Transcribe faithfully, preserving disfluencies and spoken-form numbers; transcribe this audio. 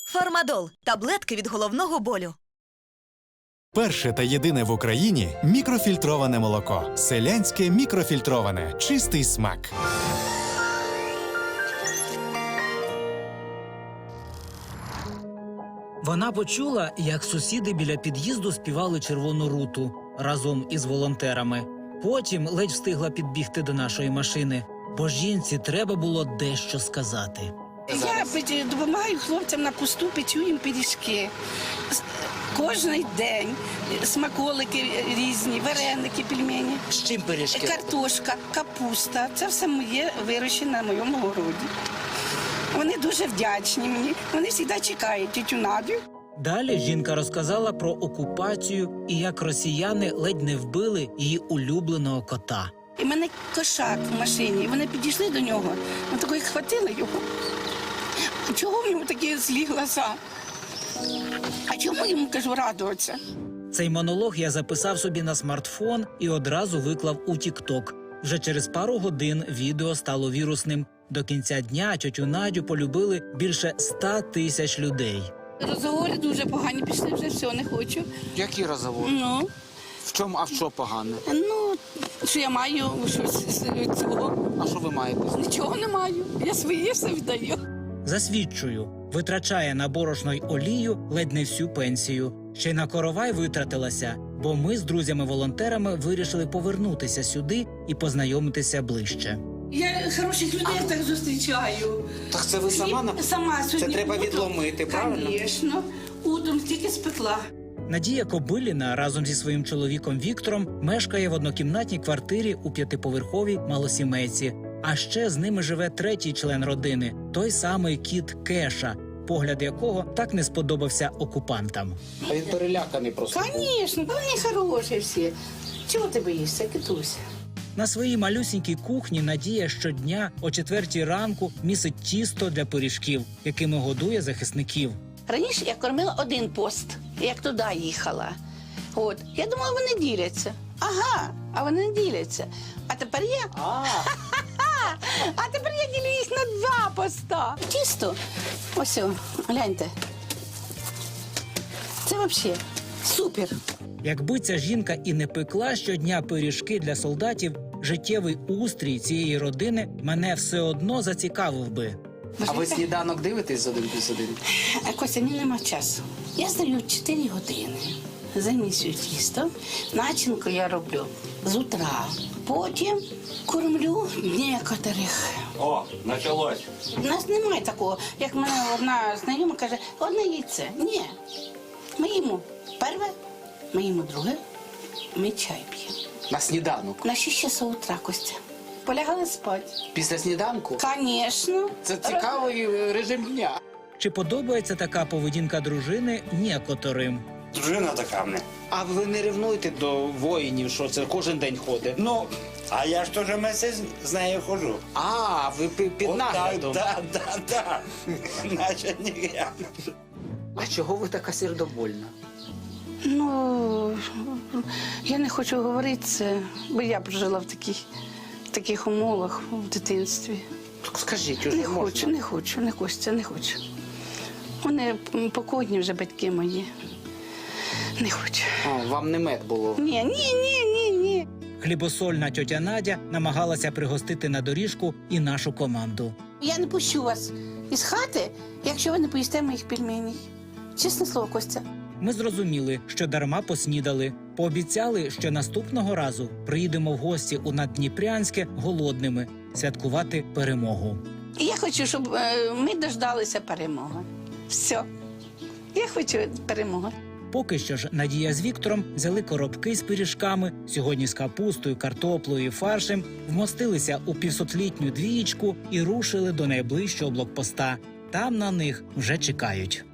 Фармадол – таблетки від головного болю. Перше та єдине в Україні мікрофільтроване молоко. Селянське мікрофільтроване. Чистий смак. Вона почула, як сусіди біля під'їзду співали «Червону руту» разом із волонтерами. Потім ледь встигла підбігти до нашої машини, бо жінці треба було дещо сказати. Я допомагаю хлопцям на посту, печу їм пиріжки. Кожний день смаколики різні, вареники, пельмені. З чим пиріжки? Картошка, капуста. Це все моє вирощене на моєму городі. Вони дуже вдячні мені. Вони завжди чекають тітю Надю. Далі жінка розказала про окупацію і як росіяни ледь не вбили її улюбленого кота. І в мене кошак в машині. І вони підійшли до нього. Ми такої хватили його. Чого в нього такі злі глаза? А чому йому, кажу, радуватися? Цей монолог я записав собі на смартфон і одразу виклав у тік-ток. Вже через пару годин відео стало вірусним. До кінця дня тьотю Надю полюбили більше ста тисяч людей. Розговори дуже погані пішли, вже все, не хочу. Які розговори? Ну, В чому, а в що погано? ну, що я маю щось з цього. А що ви маєте? Нічого не маю. Я своє все віддаю. Засвідчую, витрачає на борошно й олію ледь не всю пенсію. Ще й на коровай витратилася, бо ми з друзями-волонтерами вирішили повернутися сюди і познайомитися ближче. Я хороших людей так зустрічаю. Так це ви сама на... Сама сьогодні. Це треба утром, відломити, правильно? Звісно. Утром тільки спекла. Надія Кобиліна разом зі своїм чоловіком Віктором мешкає в однокімнатній квартирі у п'ятиповерховій малосімейці. А ще з ними живе третій член родини – той самий кіт Кеша, погляд якого так не сподобався окупантам. А він переляканий просто. Звісно, вони хороші всі. Чого ти боїшся, китуся? На своїй малюсінькій кухні Надія щодня о четвертій ранку місить тісто для пиріжків, якими годує захисників. Раніше я кормила один пост, як туди їхала. От. Я думала, вони діляться. Ага, а вони не діляться. А тепер я... А, А тепер я ділю їх на два поста. Тісто. Ось, о, гляньте. Це взагалі супер. Якби ця жінка і не пекла щодня пиріжки для солдатів, життєвий устрій цієї родини мене все одно зацікавив би. а ви сніданок дивитесь з один плюс один? А Костя, мені нема часу. Я здаю чотири години. Замісюю тісто. Начинку я роблю з утра. Потім кормлю некоторих. О, началось. У нас немає такого, як мене одна знайома каже, одне яйце. Ні. Ми їмо перше, ми їмо друге, ми чай п'ємо. На сніданок? На шість часов утра, Костя. Полягали спати. Після сніданку? Звісно. Це цікавий режим дня. Чи подобається така поведінка дружини некоторим? Дружина така в мене. А ви не ревнуєте до воїнів, що це кожен день ходить? Ну, а я ж теж місяць з нею ходжу. А, ви пі- під От так, наглядом. да, да, да. Наче не я. А чого ви така сердобольна? Ну, я не хочу говорити це, бо я прожила в таких, в таких умовах в дитинстві. Так скажіть, уже Не можна. хочу, не хочу, не Костя, не хочу. Вони покойні вже батьки мої. Не хочу. А, вам не мед було? Ні, ні, ні, ні, ні. Хлібосольна тьотя Надя намагалася пригостити на доріжку і нашу команду. Я не пущу вас із хати, якщо ви не поїсте моїх пельменей. Чесне слово, Костя. Ми зрозуміли, що дарма поснідали. Пообіцяли, що наступного разу приїдемо в гості у Наддніпрянське голодними святкувати перемогу. І я хочу, щоб е, ми дождалися перемоги. Все. Я хочу перемоги. Поки що ж Надія з Віктором взяли коробки з пиріжками, сьогодні з капустою, картоплею і фаршем, вмостилися у півсотлітню двієчку і рушили до найближчого блокпоста. Там на них вже чекають.